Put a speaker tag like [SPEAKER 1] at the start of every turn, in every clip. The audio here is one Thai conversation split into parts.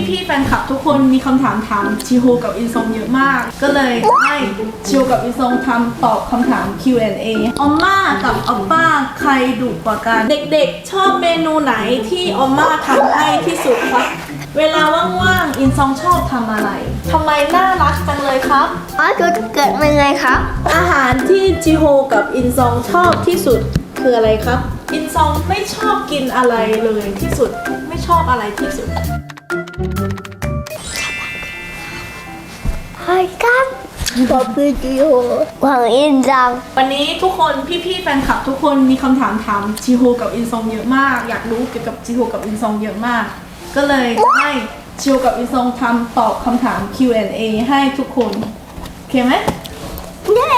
[SPEAKER 1] พี่ๆแฟนคลับทุกคนมีคำถามถามชิโฮกับอินซองเยอะมาก ก็เลยให้ชิโฮกับอินซองทำตอบคำถาม Q&A ออมม่ากับออปป้าใครดุกว่ากัน เด็กๆชอบเมนูไหนที่ออมม่าทำให้ที่สุดครับ เวลาว่างๆอินซองชอบทำอะไรทำไมน่ารักจังเลยครับ
[SPEAKER 2] จุดเกิดเป็นไงครับ
[SPEAKER 1] อาหารที่จิโฮกับอินซองชอบที่สุดคืออะไรครับ อินซองไม่ชอบกินอะไรเลยที่สุดไม่ชอบอะไรที่สุด
[SPEAKER 2] ใช่ครับบอกคือจิโอหวังอินจัง
[SPEAKER 1] วันนี้ทุกคนพี่ๆแฟนคลับทุกคนมีคำถามถามจิโฮกับอินซองเยอะมาก อยากรู้เกี่ยวกับจิโฮกับอินซองเยอะมาก ก็เลยให้จิโฮกับอินซองทำตอบคำถาม Q&A ให้ทุกคนโอเคไหม
[SPEAKER 2] เย้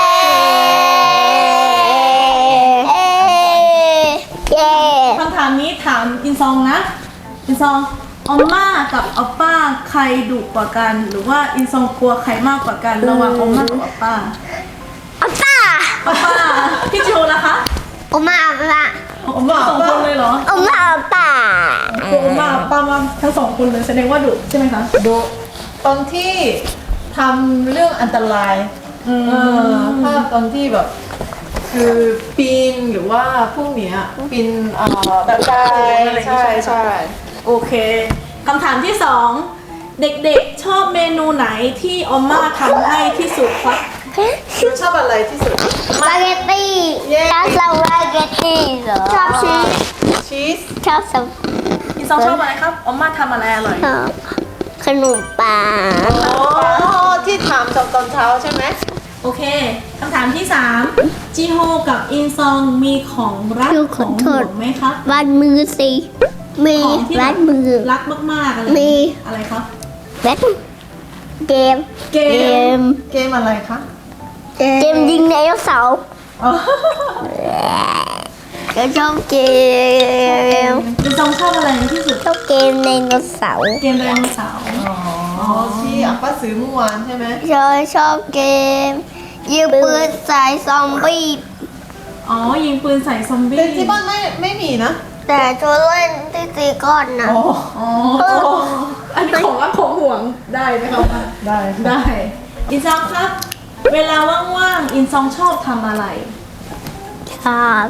[SPEAKER 2] เย้
[SPEAKER 1] คำถามนี้ถามอินซองนะอินซองออมม่ากับออปป้าใครดุกว่ากัน หรือว่าอินซองกลัวใครมากกว่ากันระหว่างออมม่ากับออปป้า
[SPEAKER 2] อัปป้า
[SPEAKER 1] ออปป้าพี่จิโฮล่ะคะ
[SPEAKER 2] อมมาอัปป้า
[SPEAKER 1] ออมม่าสองคนเลยเหรอ
[SPEAKER 2] อมมาอัปป้า
[SPEAKER 1] กลัวออมม่าออปป้ามาทั้งสองคนเลยแสดงว่าดุใช่ไหมคะ
[SPEAKER 3] ดูตอนที่ทำเรื่องอันตรายภาพตอนที่แบบคือปีนหรือว่าพวกเนี้ยปีนตะไคร้ใช่ใช่
[SPEAKER 1] โอเคคำถามที่สองเด็กๆชอบเมนูไหนที่ออมม่าทำให้ที่สุดครับ
[SPEAKER 3] คือชอบอะไรที่สุด
[SPEAKER 2] สปาเกตตี้ชอบสปาเกตตี้เหรอชอบชีส
[SPEAKER 3] ชีส
[SPEAKER 2] ชอบส
[SPEAKER 1] อินซองชอบอะไรครับออมม่าทำอะไรอร่อย
[SPEAKER 2] ขนมปัง
[SPEAKER 3] อ๋อที่ถามตอนเช้าใช่ไหม
[SPEAKER 1] โอเคคำถามที่3จิโฮกับอินซองมีของรักของห่วงไหมครับ
[SPEAKER 2] วัดมือสิมี
[SPEAKER 1] ของที่
[SPEAKER 2] วัดมือ
[SPEAKER 1] รักมากๆอะไร
[SPEAKER 2] มี
[SPEAKER 1] อะไรครับ
[SPEAKER 2] วัดเกม
[SPEAKER 1] เกม
[SPEAKER 3] เกมอะไรคะ
[SPEAKER 2] เกมยิงไดโนเสาร์
[SPEAKER 3] อ๋อ
[SPEAKER 2] ก็ชอบเกม
[SPEAKER 1] อินซองชอบอะไรที่สุด
[SPEAKER 2] ชอบเกมไดโนเสาร์
[SPEAKER 1] เกมไดโนเสาร์
[SPEAKER 3] อ๋อที่อัปป้าซื้อเมื่อวานใช่ไหม
[SPEAKER 2] ชอบเกมยิงปืนใส่ซอมบี้
[SPEAKER 1] อ๋อยิงปืนใส่ซอมบี้
[SPEAKER 3] แต่ที่บ้านไม่มีนะ
[SPEAKER 2] แต่ชวนเล่นที่ตีก้อนนะ
[SPEAKER 3] อ๋อ
[SPEAKER 1] อ๋ออันนี้ของรักของห่วงได้ไหมครับ
[SPEAKER 3] ได้ค่ะ
[SPEAKER 1] ได้ อินซองครับ เวลาว่างๆอินซองชอบทำอะไร
[SPEAKER 2] ชอบ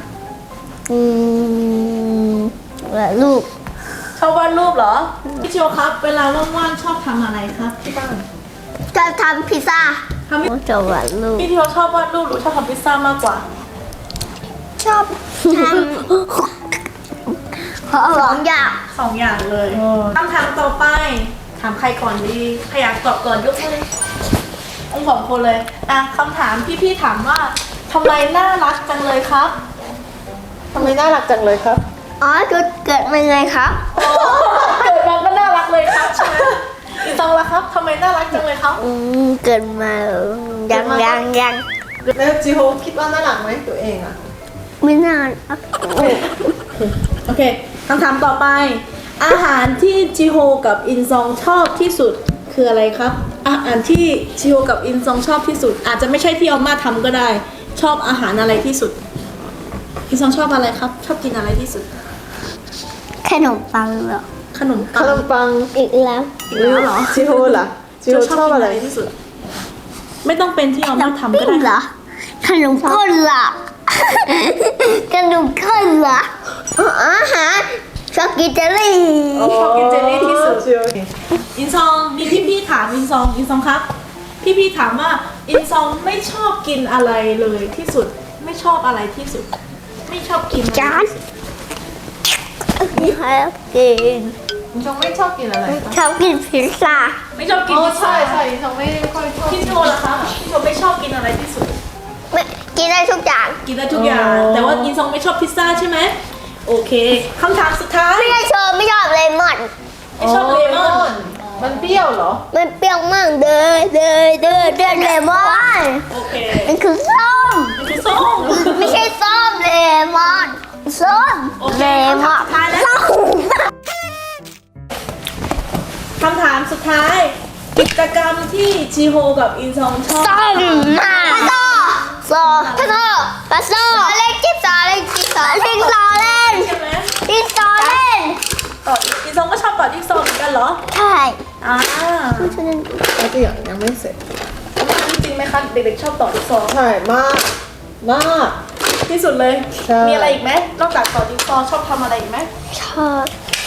[SPEAKER 2] ลูก
[SPEAKER 1] ชอบวาดรูปเหรอพี่โชครับ เวลาว่างๆชอบทำอะไรครับที่บ้าน
[SPEAKER 2] จะทำพิซซ่า
[SPEAKER 1] ทำ
[SPEAKER 2] จะวาดลูก
[SPEAKER 1] พี่โชชอบวาดรูปหรือชอบทำพิซซ่ามากกว่า
[SPEAKER 2] ชอบทำสองอย่าง
[SPEAKER 1] สองอย่างเลยคำถามต่อไป ถามใครก่อนดีใครอยากตอบก่อนยกมือองค์สองคนเลยอ่ะคำถามพี่ๆถามว่าทำไมน่ารักจังเลยครับ
[SPEAKER 3] ทำไมน่ารักจังเลยครับ
[SPEAKER 2] จุดเกิดเป็นไงครับ
[SPEAKER 1] เกิดมาก็น่ารักเลยครับใช่ไหมอีตองละครับทำไมน่ารักจังเลยครับ
[SPEAKER 2] เกิดมายัง
[SPEAKER 3] แล้วจิโฮคิดว่าน่ารักไหมตัวเองอะ
[SPEAKER 2] ไม่นาน
[SPEAKER 1] โอเคคำถามต่อไป อาหารที่จิโฮกับอินซองชอบที่สุดคืออะไรครับอาหารที่จิโฮกับอินซองชอบที่สุด อาจจะไม่ใช่ที่ออมมาทำก็ได้ ชอบอาหารอะไรที่สุดอินซองชอบอะไรครับ ชอบกินอะไรที่สุด
[SPEAKER 2] ขนมปังเหรอ
[SPEAKER 1] ขนม
[SPEAKER 3] ข
[SPEAKER 1] ปัง
[SPEAKER 3] นมปัง
[SPEAKER 2] อีกแล้ว
[SPEAKER 1] อีกแล้วเหรอ
[SPEAKER 3] จิโฮล่ะจิโฮชอบอะไร
[SPEAKER 1] กินที่สุด ไม่ต้องเป็นที่ออมมาทำก็
[SPEAKER 2] ปิ้งเหร
[SPEAKER 1] ได้
[SPEAKER 2] อขนมก้นเหรอขนมก้นเหรออาหารช็อกโกแลต
[SPEAKER 1] ชอบกินเจลลี่ที่สุด
[SPEAKER 3] จิโฮ
[SPEAKER 1] อินซองมีพี่ๆถามอินซองครับ พี่ๆถามว่าอินซองไม่ชอบกินอะไรเลยที่สุด ไม่ชอบอะไรที่สุด ไม่ชอบกินอะไร
[SPEAKER 2] จาน
[SPEAKER 1] ที่สุด
[SPEAKER 2] ชอบกิน
[SPEAKER 3] จงไม่ชอบกินอะไรคะ
[SPEAKER 2] ชอบกินพิซซ่า
[SPEAKER 1] ไม่ชอบกิน
[SPEAKER 3] อ๋อ
[SPEAKER 1] พิซซ่า
[SPEAKER 3] ใช่จงไม่ค่อยชอบ
[SPEAKER 1] พี่โชล่ะคะพี่โชไม่ชอบกินอะไรที่สุด
[SPEAKER 2] ไม่กินได้ทุกอย่าง
[SPEAKER 1] กินได้ทุกอย่าง แต่ว่าอินซองไม่ชอบพิซซ่าใช่ไหมโอเคคำถามสุดท้าย
[SPEAKER 2] ไม่ได้ชอบไม่ชอบเลมอน
[SPEAKER 1] ไม่ชอบเลมอน
[SPEAKER 3] มันเปรี้ยวเหรอ
[SPEAKER 2] มันเปรี้ยวมากเด้อเลมอน
[SPEAKER 1] โอเค
[SPEAKER 2] มันคือส้ม
[SPEAKER 1] มันคือส้ม
[SPEAKER 2] ไม่ใช่ส้มเลมอนส้ม
[SPEAKER 1] โอเค
[SPEAKER 2] เลมอน
[SPEAKER 1] คำถามสุดท้ายแล้ว
[SPEAKER 2] ส้ม
[SPEAKER 1] คำถามสุดท้าย กิจกรรมที่จิโฮกับอินซองชอบ
[SPEAKER 2] ส้มมากโซ่ปลาโซ่เล่นจิ๊บซอเล่นจิ๊บซอเล่นซอเล่น
[SPEAKER 1] ใช่ไหม
[SPEAKER 2] จิ๊บซอเล่น
[SPEAKER 1] โออดอีซองก็ชอบกอดจิ๊กซอว์เหมือนกันเหรอ
[SPEAKER 2] ใช่
[SPEAKER 1] อ่า
[SPEAKER 3] แล้วตัวอย่างยังไม่เสร็จ
[SPEAKER 1] จริงไหมคะเด็กๆชอบต่อจิ๊กซอว์
[SPEAKER 3] ใช่มากมาก
[SPEAKER 1] ที่สุดเลย
[SPEAKER 3] ใช่
[SPEAKER 1] มีอะไรอีกไหมนอกจากต่อจิ๊กซอว์ชอบทำอะไรอีกไหม
[SPEAKER 2] ชอบ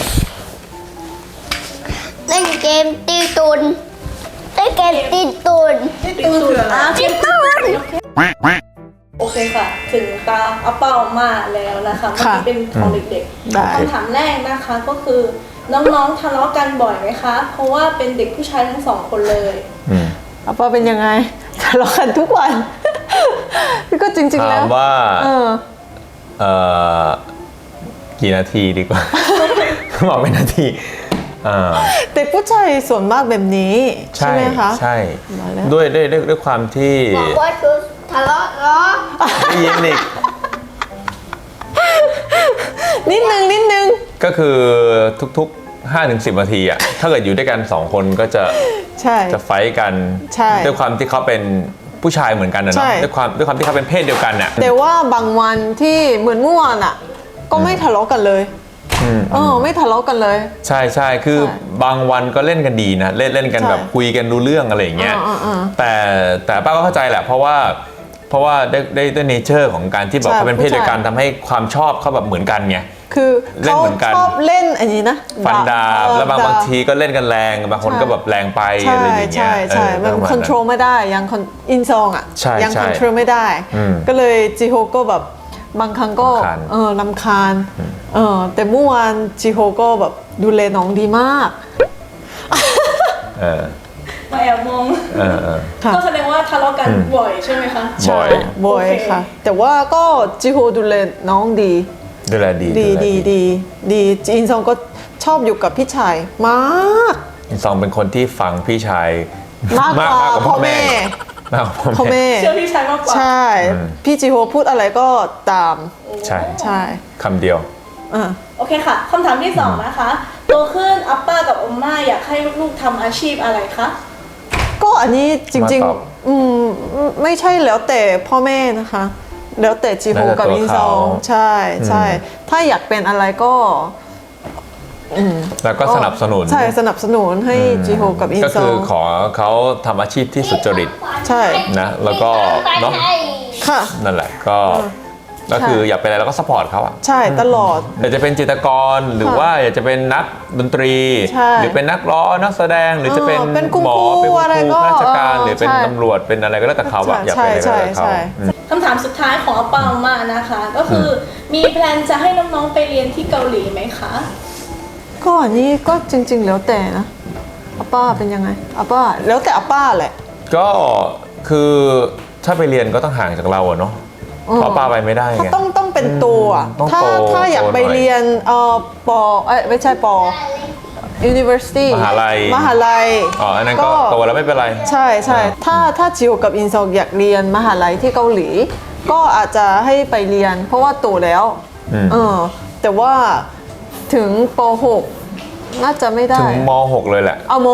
[SPEAKER 2] เล่นเกมตีตุนเล่นเกมตีตุน
[SPEAKER 3] นี่ตู้คืออะไร
[SPEAKER 2] ตีตุน
[SPEAKER 1] โอเคค่ะ ถึงตาอาเป้ามาแล้วนะคะเมื่อกี้เป็นของเด็ก
[SPEAKER 3] ได้
[SPEAKER 1] ๆคำถามแรกนะคะก็คือน้องๆทะเลาะกันบ่อยไหมคะ เพราะว่าเป็นเด็กผู้ชายทั้งสองคนเลย
[SPEAKER 3] อาป้าเป็นยังไงทะเลาะกันทุกวัน ก็จริงๆแล้
[SPEAKER 4] ถาว มว่า
[SPEAKER 3] เออ
[SPEAKER 4] กี่นาทีดีกว่า บอกเป็นนาทีอ่า
[SPEAKER 3] เด็กผู้ชายส่วนมากแบบนี้ ใช่ไหมคะ
[SPEAKER 4] ใช่
[SPEAKER 3] มาแล้ว
[SPEAKER 4] ด้วยความที่
[SPEAKER 2] บอกว่าคือทะเลาะเหรอ
[SPEAKER 4] ได้ยินอีก
[SPEAKER 3] นิดนึง
[SPEAKER 4] ก็คือทุกๆ 5-10 นาทีอ่ะ ถ้าเกิดอยู่ด้วยกัน 2 คนก็จะ
[SPEAKER 3] ใช่
[SPEAKER 4] ไฟท์กัน
[SPEAKER 3] ใช่
[SPEAKER 4] ด้วยความที่เขาเป็นผู้ชายเหมือนกันนะ
[SPEAKER 3] ใช่
[SPEAKER 4] เนาะด้วยความที่เขาเป็นเพศเดียวกันน่ะ
[SPEAKER 3] แต่ว่าบางวันที่เหมือนเมื่อวานอ่ะ ก็ไม่ทะเลาะกันเลย ไม่ทะเลาะกันเลย
[SPEAKER 4] ใช่ใช่คือ
[SPEAKER 3] ใช่
[SPEAKER 4] บางวันก็เล่นกันดีนะเล่นกัน
[SPEAKER 3] ใช่
[SPEAKER 4] แบบคุยกันรู้เรื่องอะไรอย่างเงี้ย
[SPEAKER 3] อ่า
[SPEAKER 4] แต่ป้าก็เข้าใจแหละ เพราะว่าได้เนเจอร์ของการที่แบบ
[SPEAKER 3] ใช่
[SPEAKER 4] เขาเป็นเพศเดียวกัน
[SPEAKER 3] ผู้ชาย
[SPEAKER 4] ทำให้ความชอบเขาแบบเหมือนกันไง
[SPEAKER 3] คือ
[SPEAKER 4] เล่น
[SPEAKER 3] เขา
[SPEAKER 4] เหมือนกัน
[SPEAKER 3] ชอบเล่นอันนี้นะ
[SPEAKER 4] ฟันดาบแล้วบางทีก็เล่นกันแรง บางคนก็แบบแรงไป
[SPEAKER 3] ใช่
[SPEAKER 4] อะไรอย่างเงี้ย
[SPEAKER 3] ใช่ มัน
[SPEAKER 4] ประาณ
[SPEAKER 3] คอนโทรลไม่ได้ยังอินซองอ่ะ
[SPEAKER 4] ใช่
[SPEAKER 3] ยัง
[SPEAKER 4] ใช่
[SPEAKER 3] คอนโทรลไม่ได้
[SPEAKER 4] อืม
[SPEAKER 3] ก็เลยจิโฮก็แบบบางครั้งก็
[SPEAKER 4] รำคาญ
[SPEAKER 3] รำคาญแต่เมื่อวานจิโฮก็แบบดูแลน้องดีมาก
[SPEAKER 4] เออ
[SPEAKER 1] มาแอบมอง
[SPEAKER 3] ค่ะ
[SPEAKER 1] ก็แสดงว่าทะเลาะกันบ่อยใช่ไหมคะ
[SPEAKER 4] บ่อย
[SPEAKER 3] บ่อย
[SPEAKER 1] โอเค
[SPEAKER 3] ค่ะ แต่ว่าก็จิโฮดูแลน้องดี
[SPEAKER 4] ดูแลดี
[SPEAKER 3] ดีอินซองก็ชอบอยู่กับพี่ชายมาก
[SPEAKER 4] อินซองเป็นคนที่ฟังพี่ชาย
[SPEAKER 3] มากกว่าพ่อแม่
[SPEAKER 4] มากกว่า
[SPEAKER 3] พ่
[SPEAKER 4] พ่
[SPEAKER 3] อ
[SPEAKER 4] อแม่
[SPEAKER 3] แม่
[SPEAKER 1] เชื่อพี่ชายมากกว่า
[SPEAKER 3] ใช่ พี่จิโฮพูดอะไรก็ตาม
[SPEAKER 4] ใช่
[SPEAKER 3] ใช่
[SPEAKER 4] คำเดียว
[SPEAKER 3] อ่ะ
[SPEAKER 1] โอเคค่ะคำถามที่ 2 นะคะโตขึ้นอัปป้ากับอมม่าอยากให้ลูกๆทำอาชีพอะไรคะ
[SPEAKER 3] ก็อันนี้จริง
[SPEAKER 4] มาตอบ
[SPEAKER 3] ไม่ใช่แล้วแต่พ่อแม่นะคะ แล้วแต่จิโฮ
[SPEAKER 4] แล้วแต่
[SPEAKER 3] กับ
[SPEAKER 4] ตัว
[SPEAKER 3] อินซอง
[SPEAKER 4] เขา
[SPEAKER 3] ใช่ถ้าอยากเป็นอะไรก็
[SPEAKER 4] แล้วก็สนับสนุน
[SPEAKER 3] ใช่สนับสนุนให้จิโฮกับอิน
[SPEAKER 4] ก็
[SPEAKER 3] ซอ
[SPEAKER 4] คือง ขอเขาทำอาชีพที่สุจริต
[SPEAKER 3] ใช่
[SPEAKER 4] นะแล้วก็เนาะ
[SPEAKER 3] ค่ะ
[SPEAKER 4] นั่นแหละก็คืออยากเป็นอะไรเราก็สปอร์ตเขาอะ
[SPEAKER 3] ใช่ตลอด
[SPEAKER 4] อยากจะเป็นจิตรกรหรือว่าอยากจะเป็นนักดนตรี
[SPEAKER 3] ใช่
[SPEAKER 4] หรือเป็นนักร้องนักแสดงหรือจะเป็น
[SPEAKER 3] เป็นคุณ
[SPEAKER 4] หมอ
[SPEAKER 3] ครู
[SPEAKER 4] เป็นคุณ
[SPEAKER 3] อะไร
[SPEAKER 4] ครู
[SPEAKER 3] ก็
[SPEAKER 4] ข้าราชการ
[SPEAKER 3] เออ
[SPEAKER 4] หรือเป็น
[SPEAKER 3] ใช่
[SPEAKER 4] ตำรวจเป็นอะไรก็แล้วแต่เขาอะอยากเป็นอะไรก็แล้วแต่เขา
[SPEAKER 3] ใช่
[SPEAKER 1] คำถามสุดท้ายของอัปป้าอมม่านะคะ ก็คือมีแพลนจะให้น้องๆไปเรียนที่เกาหลีไหมคะ
[SPEAKER 3] ก็อันนี้ก็จริง ๆ แล้วแต่นะอาป้าเป็นยังไงอาป้าแล้วแต่อาป้าแหละ
[SPEAKER 4] ก็คือถ้าไปเรียนก็ต้องห่างจากเราอะเนาะเพราะป้าไปไม่ได้ไง
[SPEAKER 3] ต้องเป็นตัวอะ
[SPEAKER 4] ต้อง
[SPEAKER 3] ถ้า
[SPEAKER 4] โต
[SPEAKER 3] ถ้าอยาก
[SPEAKER 4] โตหน่อย
[SPEAKER 3] ไปเรียนปไม่ใช่ป university
[SPEAKER 4] มหาลัย
[SPEAKER 3] มหาลัย
[SPEAKER 4] อ๋ออันนั้นก็โตแล้วไม่เป็นไร
[SPEAKER 3] ใช่ถ้าจิวกับอินซองอยากเรียนมหาลัยที่เกาหลี ก็อาจจะให้ไปเรียน เพราะว่าโตแล้ว แต่ว่าถึงป .6 น่าจะไม่ได้
[SPEAKER 4] ถึงม .6 เลยแหละ
[SPEAKER 3] เอาม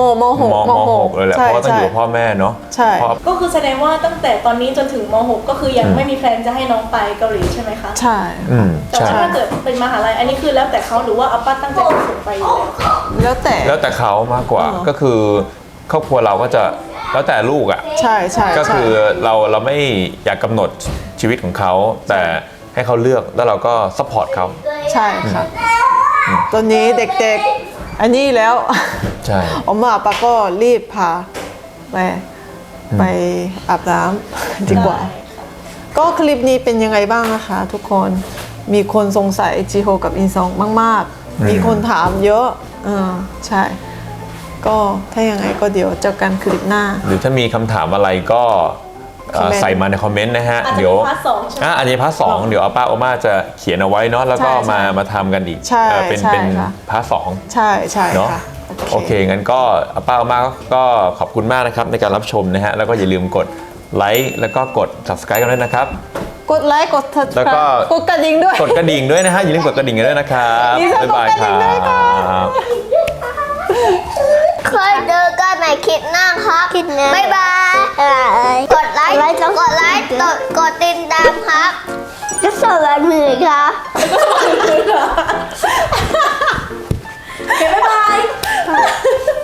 [SPEAKER 4] .6 เลยแหละเพราะว่าต้องอยู่กับพ่อแม่เนาะ
[SPEAKER 3] ใช่
[SPEAKER 4] เพราะ
[SPEAKER 1] ก็คือแสดงว่าตั้งแต่ตอนนี้จนถึงม .6 ก็คือยังไม่มีแพลนจะให้น้องไปเกาหลีใช่ไหมคะ
[SPEAKER 3] ใช่
[SPEAKER 1] แต่
[SPEAKER 4] ใช่
[SPEAKER 1] ว่าถ้าเกิดเป็นมหาลัยอันนี้คือแล้วแต่เขาหรือว่าอัปป้าตั้งใจจะส่งไปอยู่แล้ว
[SPEAKER 3] แล้วแต่
[SPEAKER 4] เขามากกว่าก็คือครอบครัวเราก็จะแล้วแต่ลูกอ่ะ
[SPEAKER 3] ใช่
[SPEAKER 4] ก็คือเราไม่อยากกำหนดชีวิตของเขา แต่ให้เขาเลือกแล้วเราก็ซัพพอร์ตเขา
[SPEAKER 3] ใช่ค่ะตอนนี้เด็กๆ อันนี้แล้ว
[SPEAKER 4] ใช่
[SPEAKER 3] อมมาปาก็รีบพาไปอาบน้ำดีกว่า ก็คลิปนี้เป็นยังไงบ้างนะคะ ทุกคนมีคนสงสัยจิโฮกับอินซองมากๆ มีคนถามเยอะใช่ ก็ถ้ายังไงก็เดี๋ยวเจอกันคลิปหน้า
[SPEAKER 4] หรือถ้ามีคำถามอะไรก็
[SPEAKER 3] คอมเมนต์
[SPEAKER 4] ใส่มาในคอมเมนต์นะฮะ
[SPEAKER 1] อาจจะ
[SPEAKER 4] เดี๋ยว
[SPEAKER 1] เป็นพาร์ทสองใช่ไหม
[SPEAKER 4] อันนี้พาร์ทสองเดี๋ยวอาป้าโอมาจะเขียนเอาไว้เนาะแล้วก็
[SPEAKER 3] ใช่
[SPEAKER 4] มาทำกันอีก
[SPEAKER 3] ใช่
[SPEAKER 4] เป็น
[SPEAKER 3] ใช่
[SPEAKER 4] เป็น
[SPEAKER 3] ค่ะ
[SPEAKER 4] พาร์ทสอง
[SPEAKER 3] ใช่
[SPEAKER 4] เนาะ
[SPEAKER 3] ค่ะ
[SPEAKER 4] โอเคงั้นก็อาป้าโอมาก็ขอบคุณมากนะครับในการรับชมนะฮะแล้วก็อย่าลืมกดไลค์แล้วก็กด subscribe กันด้วยนะครับ
[SPEAKER 3] กดไลค์กด
[SPEAKER 4] แล้วก็
[SPEAKER 3] กดกระดิ่งด้วย
[SPEAKER 4] กดกระดิ่งด้วยนะฮะอย่าลืมกดกระดิ่งกันด้วยนะครับ
[SPEAKER 3] มีสอง
[SPEAKER 4] บ๊ายบาย
[SPEAKER 3] กดกระดิ่งด้วย
[SPEAKER 4] ค
[SPEAKER 3] ค่ะ
[SPEAKER 4] รับ
[SPEAKER 2] เคยเจอกันในคลิปหน้าครับบ๊ายบาย กดไลค์ กดติดตามครับจะสวัสดีครับ
[SPEAKER 1] โอเคบ๊ายบาย